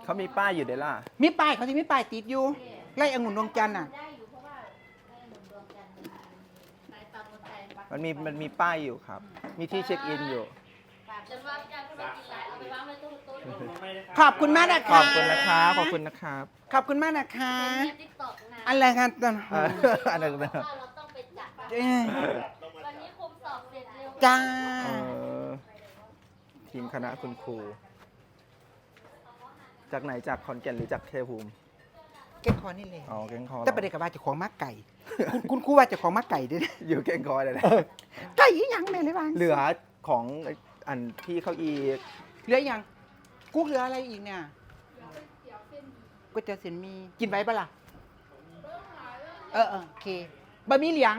เขามีป้ายอยู่เด้ล่ะมีป้ายเขาที่มีป้ายติดอยู่ไร่องุ่นดวงจันทร์น่ะมันมีป้ายอยู่ครับ มีที่เช็คอินอยู่ขอบคุณมากนะขอคะบคุณนะครับขอบคุณนะครับขอบคุณมากนะคะอัอะไรกันตอนอันนั้นนะเราต้องไปจัด วันนี้คุมสอบเสร็จเร็วจ้าเออทีมคณะคุณครู จากไหนจากขอนแก่นหรือจากชัยภูมิแก้งคอนี่เลยอ๋อแกงคอแต่ประเด็นกับว่าเจะของมักไก่ คุณครูว่าเจะของมักไก่ด้วยนะอยู่แกงคอเลยนะไก่อีหยังแม่เลยบ้างเหลือของอันพี่เขาอีกเหลือยังกุ๊กเหลืออะไรอีกเนี่ยก๋วยเตี๋ยวเส้นหมีกินไว้ปะล่ะโอเคบะหมี่เหลียง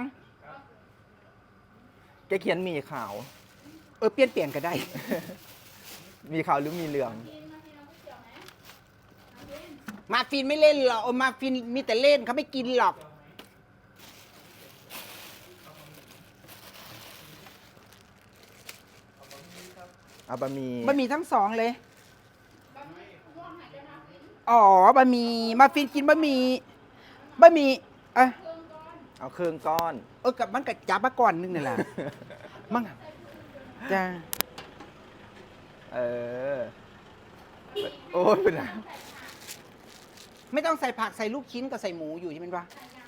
แกเขียนมีขาวเปลี่ยนก็ได้มีขาวหรือมีเหลืองมาฟินไม่เล่นหรอกมาฟินมีแต่เล่นเขาไม่กินหรอกเอาบะหมี่บะหมี่ทั้งสองเลยอ๋อบะหมี่มาฟินกินบะหมี่เอาเครื่องก้อนกับมันกับจับมาก่อนนึงนี่แหละ มั่งจ้าเออ โอ้ยเป็นไรไม่ต้องใส่ผักใส่ลูกชิ้นกับใส่หมูอยู่ใช่ไหมวะ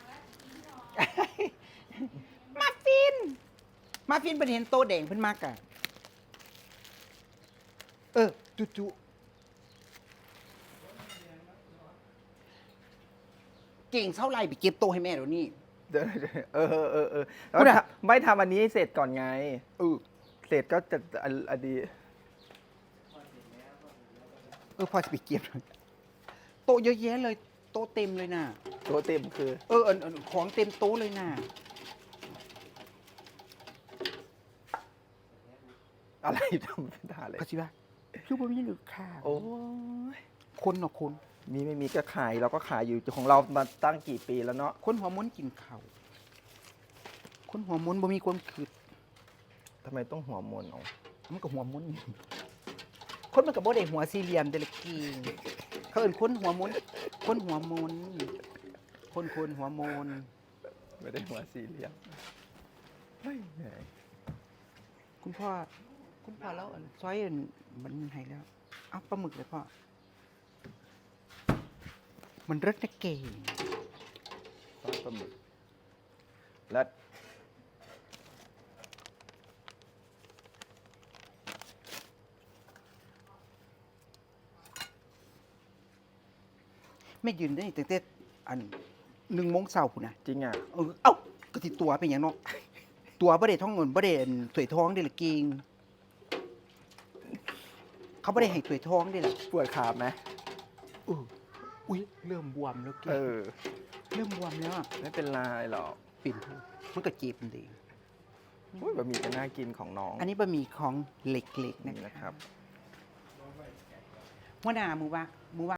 มาฟินเป็นเห็นโตแดงเพิ่นมากอะจุเก่งเท่าไรไปเก็บโตให้แม่เดี๋ยวนี้เดี๋ยวแล้วพูดอะไม่ทำอันนี้ให้เสร็จก่อนไง เสร็จก็จะอันดีพอจะไปเก็บโตะเยอะแยะเลยโตะเต็มเลยน่ะตัวเต็มคือของเต็มโต๊ะเลยน่ะอะไรทำเป็นทาเลยก็สิว่าคือบ่มีหรือข้าวโอ้ยคนเนาะคนมีไม่มีก็ขายเราก็ขายอยู่ของเรามาตั้งกี่ปีแล้วเนาะคนหัวม้วนกินข้าวคนหัวม้วนบ่มีความคิดทำไมต้องหัวมนเอามันก็หัวม้วนคนมันก็บ่ได้หัวสี่เหลี่ยมเดะละกีเขาเอิ้นคนหัวม้วนคนหัวม้วนคนหัวม้วนไม่ได้หัวสี่เหลี่ยมเฮ้ยเหนื่อยคุณพ่อแล้วซอยมันให้แล้วเอาปลาหมึกเลยพ่อมันรสนะเก่งซอสปลาหมึกและไม่ยืนได้ตั้งแต่อัน1 โมงเช้าพุ่นน่ะจริงอ่ะก็สิตัวเป็นหยังเนาะ ตัวบ่ได้ท้องเงินบ่ได้สวยท้องเด้ละเก่งเขาบ่ได้ให้สวยท้องเด้ล่ะปวดขาไหมอุ้ยเริ่มบวมแล้วเก่เอง อเริ่มบวมแล้วอะไม่เป็นไรหรอกปิ่นมันก็เจ็บดีอุ้ยบะหมี่ก็น่ากินของน้องอันนี้บะหมี่ของเหล็กๆนี่นะนะคครัรับบ หัวหน้ามือว่า